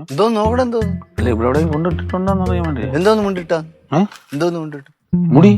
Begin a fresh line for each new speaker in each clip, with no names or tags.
എന്തോന്ന് നോക്കണം എന്തോന്ന്
അല്ല ഇവിടെ എവിടെയും കൊണ്ടിട്ടുണ്ടോന്ന് അറിയാൻ വേണ്ടി.
എന്തോന്ന് മുണ്ടിട്ടാ എന്തോന്ന് മുണ്ടിട്ട്
മുടി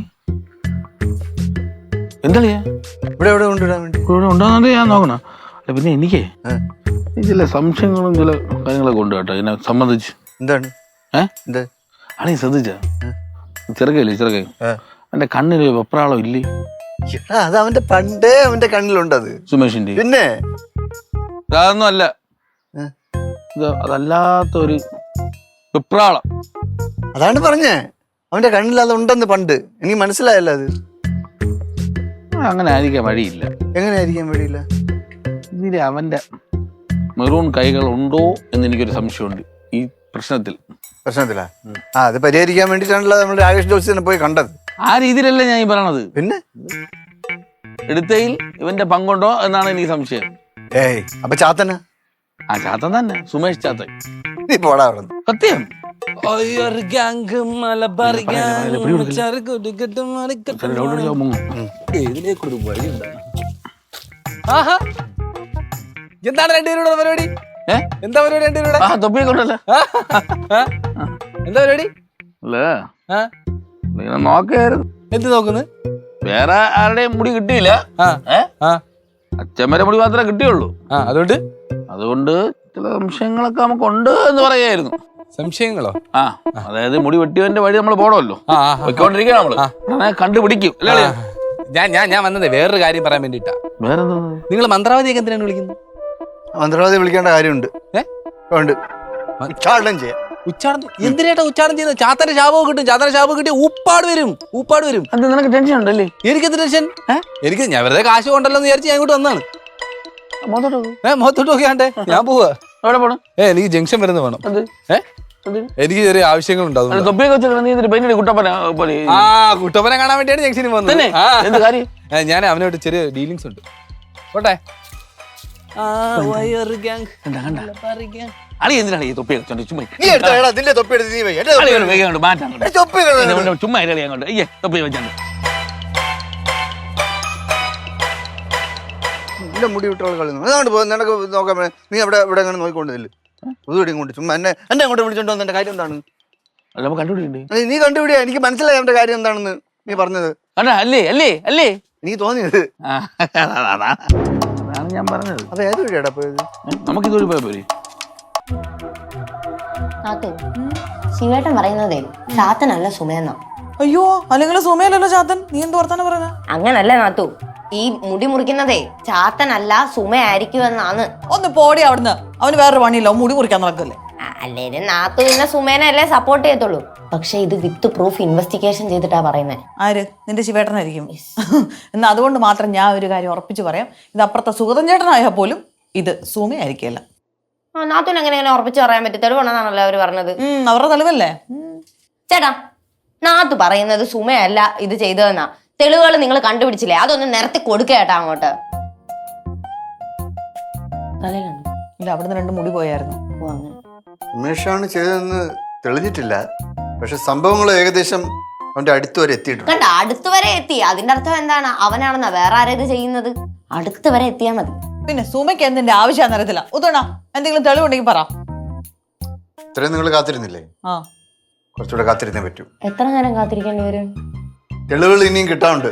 എന്താളിയാ
ഇവിടെ എവിടെ കൊണ്ടിടാൻ വേണ്ടി
ഇവിടെ ഉണ്ടോന്നറിയാൻ ഞാൻ നോക്കണം. അല്ല പിന്നെ എനിക്കേ ചില സംശയങ്ങളും ചില കാര്യങ്ങളൊക്കെ ഉണ്ട് കേട്ടോ ഇതിനെ സംബന്ധിച്ച്.
എന്താണ് എന്താ
ആളെ ശ്രദ്ധിച്ച ചെറുക്കയില്ലേ ചെറുക്കൈ എന്റെ കണ്ണില് വെപ്രാളം ഇല്ലേ?
അത് അവന്റെ പണ്ടേ അവന്റെ കണ്ണിലുണ്ടത്
സുമേഷിന്റെ.
പിന്നെ
അതൊന്നും അല്ല, അതല്ലാത്ത ഒരു വെപ്രാളം.
അതാണ് പറഞ്ഞേ അവന്റെ കണ്ണിൽ അതുണ്ടെന്ന് പണ്ട് എനിക്ക് മനസ്സിലായല്ലോ. അത്
അങ്ങനെ ആയിരിക്കാൻ വഴിയില്ല.
എങ്ങനെയായിരിക്കാൻ വഴിയില്ല?
ഇതില് അവന്റെ മെറൂൺ കൈകൾ ഉണ്ടോ എന്ന് എനിക്കൊരു സംശയമുണ്ട് ഈ പ്രശ്നത്തിലാ. അത് പരിഹരിക്കാൻ വേണ്ടിട്ടാണല്ലോ നമ്മൾ രാകേഷ് ജോസിനെ പോയി കണ്ടത്. ആ രീതിയിലല്ല ഞാൻ ഈ പറയണത്.
പിന്നെ
എടുത്തയിൽ ഇവന്റെ പങ്കുണ്ടോ എന്നാണ് എനിക്ക് സംശയം.
അപ്പൊ ചാത്തന?
ആ ചാത്തൻ തന്നെ, സുമേഷ് ചാത്തൻ.
നീ പോടാ അവിടെ.
സത്യം.
എന്താണ് രണ്ടുപേരുടെ പരിപാടി? എന്താ പരിപാടി രണ്ടുപേരുടെ?
തൊപ്പിയൊക്കെണ്ടല്ലോ.
എന്താ പരിപാടി?
അല്ലേ നോക്കായിരുന്നു.
എന്ത് നോക്കുന്നു?
വേറെ ആരുടെയും മുടി കിട്ടിയില്ല. അച്ഛമ്മരെ മുടി മാത്രമേ കിട്ടിയുള്ളൂ. അതുകൊണ്ട് ചില സംശയങ്ങളൊക്കെ നമുക്ക് ഉണ്ട് എന്ന് പറയായിരുന്നു.
സംശയങ്ങളോ?
അതായത് മുടി വെട്ടിയവന്റെ വഴി നമ്മൾ പോണമല്ലോ, പൊയ്ക്കൊണ്ടിരിക്കുക നമ്മള് കണ്ടുപിടിക്കും. അല്ലേ?
ഞാൻ വന്നത് വേറൊരു കാര്യം പറയാൻ വേണ്ടിട്ടാ.
വേറെന്താ?
നിങ്ങൾ മന്ത്രവാദിയൊക്കെ എന്തിനാണ് വിളിക്കുന്നത്?
മന്ത്രവാദി വിളിക്കേണ്ട കാര്യമുണ്ട്. ഉച്ചാടനം ചെയ്യാം.
ഉച്ചാടനം എന്തിനായിട്ടാ ഉച്ചാടനം ചെയ്യുന്നത്? ചാത്തന്റെ ശാപം കിട്ടും. ചാത്തന്റെ ശാപം കിട്ടിയ ഊപ്പാട് വരും.
അത് നിനക്ക് ടെൻഷൻ ഉണ്ടല്ലേ?
എനിക്കെന്ത് ടെൻഷൻ? എനിക്ക് ഞാൻ വെറുതെ കാശ് കൊണ്ടല്ലോ എന്ന് വിചാരിച്ച് ഞാൻ ഇങ്ങോട്ട് വന്നാണ്. മുഖത്തോട്ട് നോക്കിയാണ്ടേ ഞാൻ പോവാ.
എവിടെ പോണം?
എനിക്ക് ജംഗ്ഷൻ വരുന്ന വേണം. എനിക്ക് ചെറിയ ആവശ്യങ്ങളുണ്ടാവും. കുട്ടപ്പനെ കാണാൻ വേണ്ടിയാണ് ജംഗ്ഷനിൽ വന്നത്. ഞാൻ അവനോട്ട് ചെറിയ ഡീലിങ്സ് ഉണ്ട്. പോട്ടെ.
അളി എന്തിനാണ് ഈ തൊപ്പി ചുമ്മാ
ചുമ്മാ
തൊപ്പി വെച്ചാണ്ട്
മുടി വിട്ടുള്ള കളി അതാണ്ട് നിനക്ക് നോക്കാൻ. നീ അവിടെ ഇവിടെ അങ്ങനെ നോക്കിക്കൊണ്ടില്ല. പുതുവടി കൊണ്ട് ചുമ്മാ എന്നെ അങ്ങോട്ട് വിളിച്ചോണ്ട് വന്ന എന്റെ കാര്യം എന്താണ്?
കണ്ടുപിടിക്കണ്ടേ?
നീ കണ്ടുപിടിയാ. എനിക്ക് മനസ്സിലായി അവന്റെ കാര്യം എന്താണെന്ന് നീ പറഞ്ഞത്.
അല്ലേ അല്ലേ അല്ലേ
എനിക്ക് തോന്നിയത്.
അതാണ് ഞാൻ പറഞ്ഞത്.
അത് ഏത് വഴിയാടാ പോയത്?
നമുക്ക് ഇതുവഴി പോയാ പോരെ?
ശിവേട്ടൻ പറയുന്നതേ ചാത്തനല്ല സുമയെന്ന.
അയ്യോ, അല്ലെങ്കിൽ സുമയല്ലല്ലോ ചാത്തൻ. നീ എന്ത് വർത്താനം പറയുന്നത്?
അങ്ങനല്ല നാത്തു, ഈ മുടി മുറിക്കുന്നതേ ചാത്തനല്ല സുമയായിരിക്കുമെന്നാണ്.
ഒന്ന് പോടി അവിടുന്ന്. അവന് വേറൊരു പണിയില്ല, മുടി മുറിക്കാൻ നടക്കല്ലേ.
അല്ലേലും നാത്തു പിന്നെ സുമേനല്ലേ സപ്പോർട്ട് ചെയ്യത്തുള്ളൂ. പക്ഷെ ഇത് വിത്ത് പ്രൂഫ് ഇൻവെസ്റ്റിഗേഷൻ ചെയ്തിട്ടാ പറയുന്നത്.
ആര്? നിന്റെ ശിവേട്ടനായിരിക്കും. എന്നാ അതുകൊണ്ട് മാത്രം ഞാൻ ഒരു കാര്യം ഉറപ്പിച്ച് പറയാം, ഇത് അപ്പുറത്തെ സുഗതൻ ചേട്ടനായാൽ പോലും ഇത് സുമയായിരിക്കില്ല.
നാത്തുവിന് എങ്ങനെ ഉറപ്പിച്ച് പറയാൻ പറ്റും? തെളിവുണ്ടെന്നാണല്ലോ അവര് പറഞ്ഞത്.
അവരുടെ തെളിവല്ലേ?
ചേട്ടാ, നാത്തു പറയുന്നത് സുമയല്ല ഇത് ചെയ്തതെന്നാ. തെളിവുകൾ നിങ്ങൾ കണ്ടുപിടിച്ചില്ലേ? അതൊന്ന് നിരത്തി കൊടുക്ക ചേട്ടാ അങ്ങോട്ട്.
ഇല്ല, അവിടുന്ന് 2 മുടി പോയായിരുന്നു.
ഉമേഷാണ് ചെയ്തതെന്ന് തെളിഞ്ഞിട്ടില്ല. പക്ഷെ സംഭവങ്ങൾ ഏകദേശം അവന്റെ അടുത്ത് വരെ എത്തിയിട്ടുണ്ട്.
കണ്ട, അടുത്ത് വരെ എത്തി. അതിന്റെ അർത്ഥം എന്താണ്? അവനാണെന്നാ. വേറെ ആരാ ഇത് ചെയ്യുന്നത്? അടുത്ത് വരെ എത്തിയാ മതി.
പിന്നെ സുമയ്ക്ക് എന്തിന്റെ ആവശ്യം അറിയത്തില്ല. ഉത്തണ എന്തെങ്കിലും തെളിവുണ്ടെങ്കിൽ പറ.
ഇത്രയും നിങ്ങൾ കാത്തിരുന്നില്ലേ? കുറച്ചുകൂടെ കാത്തിരുന്നേ പറ്റൂ.
എത്ര നേരം കാത്തിരിക്കേണ്ടി വരും?
തെളിവുകൾ ഇനിയും കിട്ടാറുണ്ട്.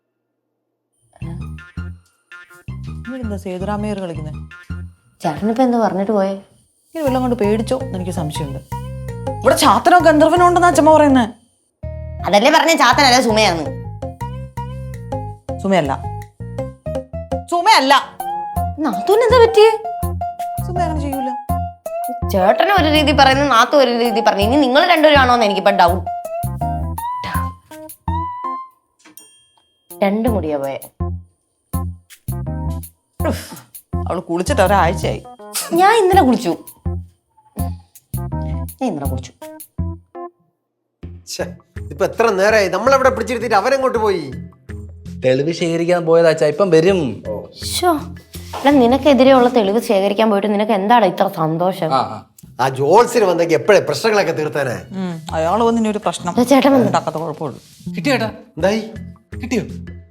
എന്താ സേതുരാമയ്യർ കളിക്കുന്നത്?
ചേട്ടനിപ്പോ എന്ത് പറഞ്ഞിട്ട് പോയേ?
ഈ വല്ലതും കൊണ്ട് പേടിച്ചോ എനിക്ക് സംശയമുണ്ട്. ഇവിടെ ചാത്തനോ ഗന്ധർവനോ ഉണ്ടെന്നാ അച്ഛമ്മ പറയുന്നേ.
അതല്ലേ പറഞ്ഞ ചാത്തനല്ല സുമയാന്ന്.
സുമയല്ല. സുമയല്ല.
നാത്തൂന് എന്താ പറ്റിയേ?
സുമ അങ്ങനെ ചെയ്യൂല.
ചേട്ടന് ഒരു രീതി പറയുന്നു, നാത്തു ഒരു രീതി പറഞ്ഞു. ഇനി നിങ്ങൾ രണ്ടുപേരും ആണോന്ന് എനിക്കിപ്പോ ഡൗട്ട്. 2 മുടിയാ പോയെ.
അവള് കുളിച്ചിട്ട് ഒരാഴ്ചയായി.
ഞാൻ ഇന്നലെ കുളിച്ചു.
ഇപ്പൊ എത്ര നേരമായി നമ്മളെവിടെ പിടിച്ചിരുത്തിട്ട് അവനെങ്ങോട്ട് പോയി?
തെളിവ് ശേഖരിക്കാൻ പോയതാ. ഇപ്പം വരും.
നിനക്കെതിരെയുള്ള തെളിവ് ശേഖരിക്കാൻ പോയിട്ട് നിനക്ക് എന്താണ് ഇത്ര സന്തോഷം?
ആ ജോൾസിന് വന്നെങ്കിൽ എപ്പോഴേ പ്രശ്നങ്ങളൊക്കെ തീർത്താനേ.
അയാള് വന്ന് ഒരു പ്രശ്നം
ചേട്ടൻ
ഉണ്ടാക്കാത്ത കുഴപ്പമുള്ളൂ.
കിട്ടിയേട്ടാ?
എന്തായി?
കിട്ടിയോ?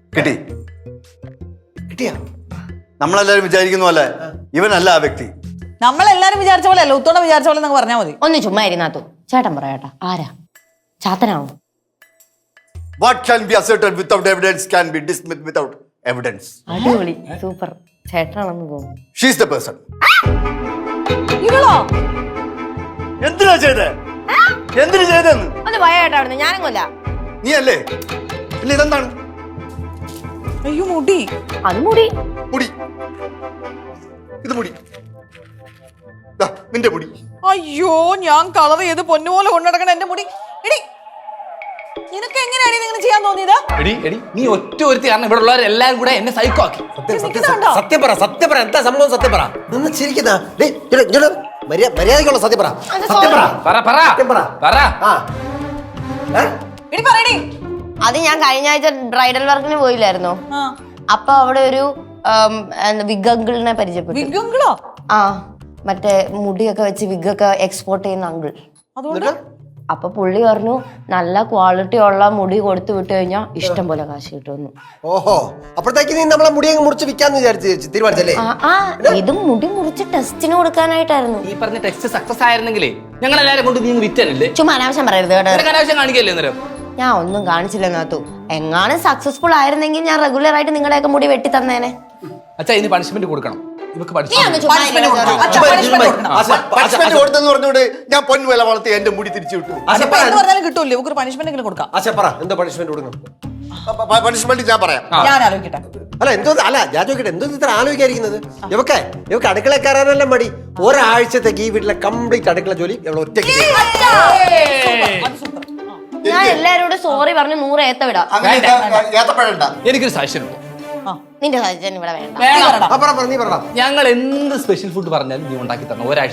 കിട്ടിയാ?
നമ്മളെല്ലാരും വിചാരിക്കുന്ന പോലെ ഇവനല്ല ആ വ്യക്തി.
നമ്മളെല്ലാരും വിചാരിച്ച പോലെ അല്ല, ഉത്തോണം വിചാരിച്ച പോലെ എന്നൊക്കെ പറഞ്ഞാൽ മതി.
ഒന്ന് ചുമ്മാ ഇരുന്നാത്തു. ചേട്ടൻ പറയാട്ടാ, ആരാ ചാത്തനാവോ?
What can be asserted without evidence can be dismissed without evidence.
അടിപൊളി, സൂപ്പർ. ചേട്ടനാണെന്ന് തോന്നുന്നു.
She is the person.
ഇവളോ?
എന്തിനാ ചെയ്തേ? എന്തിനു ചെയ്തെന്ന്?
ഒന്ന് ഭയേട്ടാ അവിടുന്ന്, ഞാനും കൊല്ല.
നീ അല്ലേ? ഇല്ല, ഇതെന്താണ്?
അയ്യോ മുടി.
അത് മുടി.
മുടി. ഇത് മുടി. ദാ, നിന്റെ മുടി.
അയ്യോ, ഞാൻ കളർ ചെയ്ത് പൊന്നുപോലെ കൊണ്ടുനടക്കണ എന്റെ മുടി. എടി, നിനക്ക് എങ്ങനെയാണ് ഇങ്ങനെ ചെയ്യാൻ തോന്നിയത്?
എടി നീ ഒറ്റ ഒരുത്തി കാരണം ഇവിടെ ഉള്ളവരെല്ലാരും കൂടെ എന്നെ സൈക്കോ ആക്കി.
സത്യം പറ എന്താ സംഭവം? സത്യം പറ. നിന്ന് ചിരിക്കുന്ന മര്യാദക്കുള്ള സത്യം പറ. സത്യം പറ. സത്യം പറ. ആ.
എടി പറയടി.
അത് ഞാൻ കഴിഞ്ഞ ആഴ്ച ബ്രൈഡൽ വർക്കിന് പോയില്ലായിരുന്നോ? അപ്പൊ അവിടെ ഒരു വിഗ് അങ്കിളിനെ പരിചയപ്പെട്ടു.
വിഗുങ്കളോ?
ആ, മറ്റേ മുടിയൊക്കെ വെച്ച് വിഗൊക്കെ എക്സ്പോർട്ട് ചെയ്യുന്ന അങ്കിൾ.
അതുകൊണ്ട്
അപ്പൊ പുള്ളി പറഞ്ഞു നല്ല ക്വാളിറ്റി ഉള്ള മുടി കൊടുത്തു വിട്ടു കഴിഞ്ഞാൽ ഇഷ്ടം പോലെ കാശ് കിട്ടുമെന്ന്.
ഓഹോ, അപ്പോഴത്തേക്ക് നീ നമ്മളെ മുടിയങ്ങ് മുറിച്ച് വിൽക്കാന്ന് തീരുമാനിച്ചല്ലേ?
ഇതും മുടി മുറിച്ച് ടെസ്റ്റിന് കൊടുക്കാനായിട്ടായിരുന്നു.
ഈ പറഞ്ഞ ടെസ്റ്റ് സക്സസ് ആയിരുന്നെങ്കിലേ ഞങ്ങൾ എല്ലാരും കൊണ്ട് നീ വിറ്റനല്ലേ?
ചുമ്മാ അനാവശ്യം പറയരുത് കേട്ടോ.
അനാവശ്യം കാണിക്കല്ലേ അന്നേരം?
ഞാൻ ഒന്നും കാണിച്ചില്ല നാത്തു. എങ്ങാനും സക്സസ്ഫുൾ ആയിരുന്നെങ്കിൽ ഞാൻ റെഗുലർ ആയിട്ട് നിങ്ങളുടെയൊക്കെ മുടി വെട്ടി തന്നേനെ.
അച്ഛാ, ഇനി പണിഷ്മെന്റ് കൊടുക്കണം. ഇവക്ക്
പണിഷ്മെന്റ് കൊടുത്തെന്ന് പറഞ്ഞോട് ഞാൻ പൊന്നുവില വളർത്തി എന്റെ മുടി തിരിച്ചു വിട്ടു.
പറഞ്ഞാലും കിട്ടൂല്ലേ? ഇവർക്ക് പണിഷ്മെന്റ് എങ്കിലും കൊടുക്കാം.
എന്താ പണിഷ്മെന്റ് കൊടുക്കണം?
പണിഷ്മെന്റ് ഞാൻ പറയാം.
ഞാൻ ആലോചിക്കട്ടെ.
ഞാൻ ചോദിക്കട്ടെ, എന്തോ ഇത്ര ആലോചിക്കാതിരിക്കുന്നത്? ഇവക്ക് അടുക്കള കയറാനല്ല മടി. ഒരാഴ്ചത്തേക്ക് ഈ വീട്ടിലെ കംപ്ലീറ്റ് അടുക്കള ജോലി ഇവളെ ഒറ്റയ്ക്ക്.
ഞാൻ എല്ലാരോടും സോറി പറഞ്ഞു 100 ഏത്ത വിടാം.
എനിക്കൊരു സാക്ഷ്യമുണ്ട്.
നിന്റെ സജൻ ഇവിടെ വേണ്ട.
ഞങ്ങൾ എന്ത് സ്പെഷ്യൽ ഫുഡ് പറഞ്ഞാലും നീ ഉണ്ടാക്കി തരണം ഒരാഴ്ച.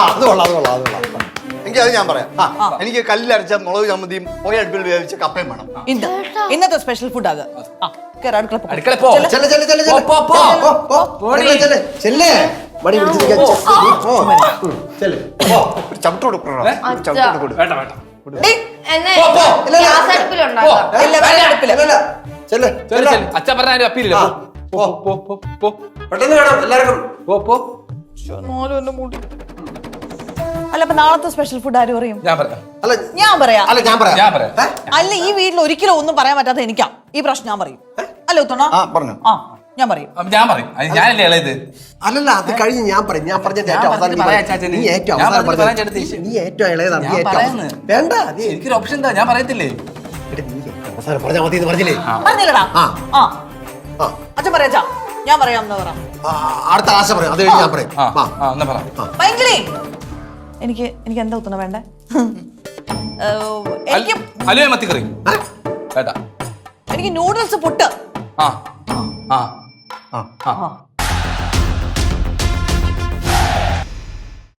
എങ്കിൽ അത് ഞാൻ പറയാം. എനിക്ക് കല്ലിലരച്ച മുളക് ചമ്മന്തിയും അടുപ്പിൽ വേവിച്ച കപ്പയും വേണം.
ഇന്നത്തെ സ്പെഷ്യൽ ഫുഡ് അത്.
അടുക്കള പോ.
ചവിട്ട് കൊടുക്കണം.
അച്ഛൻ പറഞ്ഞ അപ്പീലില്ല.
പെട്ടെന്ന് വേണം എല്ലാവർക്കും.
അല്ല, അപ്പൊ നാളത്തെ സ്പെഷ്യൽ ഫുഡ് ആര് പറയും?
ഞാൻ പറയാം.
ഞാൻ പറയാം.
അല്ല,
ഈ വീട്ടിൽ ഒരിക്കലും ഒന്നും പറയാൻ പറ്റാത്ത എനിക്കാ. ഈ പ്രശ്നം ഞാൻ പറയും. അല്ല ഉത്തണ?
പറഞ്ഞു.
ഞാൻ പറയും.
ഞാനല്ലേ ഇളയത്.
അല്ലല്ല, അത് കഴിഞ്ഞ് ഞാൻ പറയും. ഞാൻ പറഞ്ഞ നീ ഏറ്റവും അവസാനം ഇളയതാണ്. വേണ്ട,
എനിക്കൊരു ഓപ്ഷൻ എന്താ? ഞാൻ പറയത്തില്ലേ?
അവസാനം പറഞ്ഞാൽ മതി എന്ന് പറഞ്ഞില്ലേ?
പറഞ്ഞില്ലടാ. അച്ഛൻ പറയാ. ഞാൻ പറയാം.
അടുത്ത ആശ പറയാം. അത് കഴിഞ്ഞ് ഞാൻ പറയും.
ഭയങ്കരേ എനിക്ക് എന്താ ഉത്തണ വേണ്ടേ? എനിക്ക് നൂഡിൽസ് പുട്ട്.